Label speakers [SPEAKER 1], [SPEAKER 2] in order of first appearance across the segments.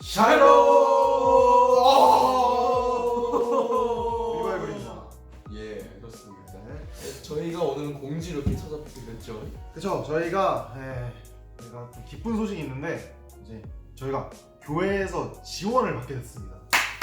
[SPEAKER 1] 샬롬!
[SPEAKER 2] 리바이벌입니다.
[SPEAKER 1] 예, 그렇습니다.
[SPEAKER 2] 네.
[SPEAKER 1] 저희가 오늘은 공지로 이렇게 찾아뵙게 됐죠.
[SPEAKER 2] 그쵸, 저희가 좀 기쁜 소식이 있는데 이제 저희가 교회에서 지원을 받게 됐습니다.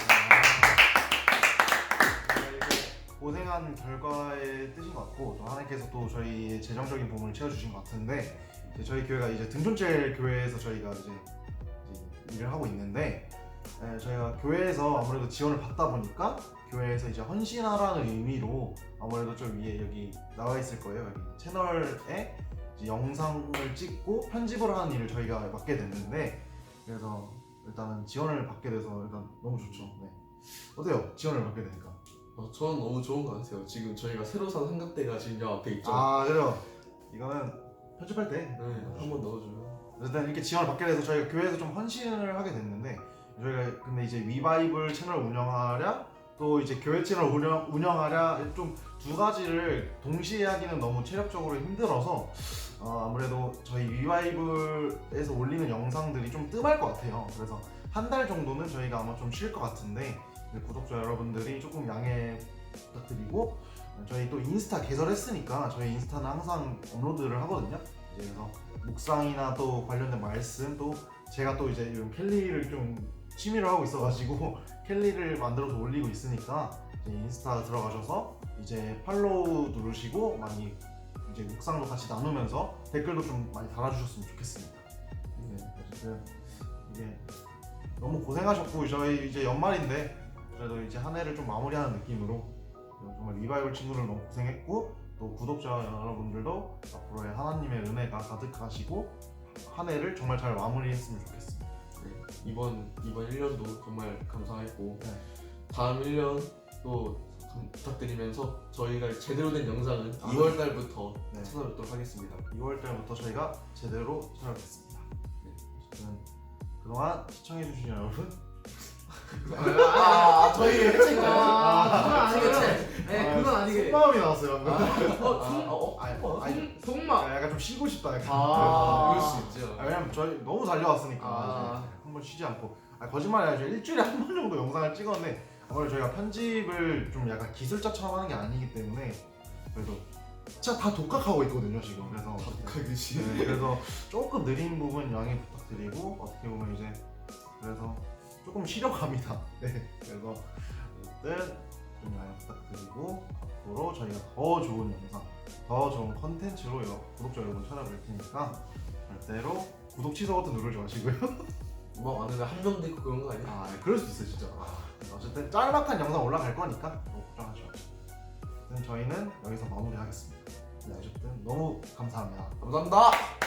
[SPEAKER 2] 이제 고생한 결과의 뜻인 것 같고 또 하나님께서 또 저희의 재정적인 부분을 채워주신 것 같은데 이제 저희 교회가 이제 등촌젤 교회에서 저희가 이제 일을 하고 있는데 저희가 교회에서 아무래도 지원을 받다 보니까 교회에서 이제 헌신하라는 의미로 아무래도 좀 위에 여기 나와 있을 거예요. 여기 채널에 이제 영상을 찍고 편집을 하는 일을 저희가 맡게 됐는데 그래서 일단은 지원을 받게 돼서 일단 너무 좋죠. 네. 어때요? 지원을 받게 되니까?
[SPEAKER 1] 저는 너무 좋은 것 같아요. 지금 저희가 새로 산 삼각대가 지금 여 앞에 있죠.
[SPEAKER 2] 아 그래요. 이거는 편집할 때
[SPEAKER 1] 네, 한번 넣어줘요.
[SPEAKER 2] 일단 이렇게 지원을 받게 돼서 저희가 교회에서 좀 헌신을 하게 됐는데 저희가 근데 이제 위바이블 채널 운영하랴 또 이제 교회 채널 운영하랴 좀 두 가지를 동시에 하기는 너무 체력적으로 힘들어서 아무래도 저희 위바이블에서 올리는 영상들이 좀 뜸할 것 같아요. 그래서 한 달 정도는 저희가 아마 좀 쉴 것 같은데 구독자 여러분들이 조금 양해 부탁드리고 저희 또 인스타 개설했으니까 저희 인스타는 항상 업로드를 하거든요. 이제 그래서 묵상이나 또 관련된 말씀 또 제가 또 이제 이런 캘리를 좀 취미로 하고 있어가지고 캘리를 만들어서 올리고 있으니까 이제 인스타 들어가셔서 이제 팔로우 누르시고 많이 이제 묵상도 같이 나누면서 댓글도 좀 많이 달아주셨으면 좋겠습니다. 네, 어쨌든 이게 너무 고생하셨고 저희 이제 연말인데 그래도 이제 한 해를 좀 마무리하는 느낌으로 정말 리바이벌 친구들 너무 고생했고 또 구독자 여러분들도 앞으로의 하나님의 은혜가 가득하시고 한 해를 정말 잘 마무리했으면 좋겠습니다.
[SPEAKER 1] 네, 이번 1년도 정말 감사했고
[SPEAKER 2] 네.
[SPEAKER 1] 다음 1년 또 부탁드리면서 저희가 제대로 된 영상은 2월 달부터
[SPEAKER 2] 네.
[SPEAKER 1] 찾아뵙도록 하겠습니다.
[SPEAKER 2] 2월 달부터 저희가 제대로 찾아뵙겠습니다. 네. 어쨌든 그동안 시청해주신 여러분
[SPEAKER 1] 저희
[SPEAKER 3] 그건 아니고요. 네, 그건 아니게.
[SPEAKER 2] 속마음이 나왔어요 방금.
[SPEAKER 3] 속마.
[SPEAKER 2] 약간 좀 쉬고 싶다 약간.
[SPEAKER 1] 그럴 수 있죠.
[SPEAKER 2] 왜냐면 저희 너무 달려왔으니까
[SPEAKER 3] 아.
[SPEAKER 2] 한 번 쉬지 않고 거짓말이 아니라 일주일에 한 번 정도 영상을 찍었는데 아무래도 저희가 편집을 좀 약간 기술자처럼 하는 게 아니기 때문에 그래도 진짜 다 독학하고 있거든요 지금. 그래서
[SPEAKER 1] 독학이시.
[SPEAKER 2] 네, 그래서 조금 느린 부분 양해 부탁드리고 어떻게 보면 이제 그래서 조금 쉬려갑니다. 네, 그래서 어쨌든 좀 양해 부탁드리고 앞으로 저희가 더 좋은 영상, 더 좋은 컨텐츠로 구독자 여러분 찾아뵐 테니까 절대로 구독 취소 버튼 누르지 마시고요.
[SPEAKER 1] 뭐 안에 한 명도 있고 그런 거 아니야?
[SPEAKER 2] 그럴 수도 있어요 진짜. 어쨌든 짤막한 영상 올라갈 거니까 너무 걱정하지 마시고. 어쨌든 저희는 여기서 마무리하겠습니다. 네, 어쨌든 너무 감사합니다.
[SPEAKER 1] 감사합니다.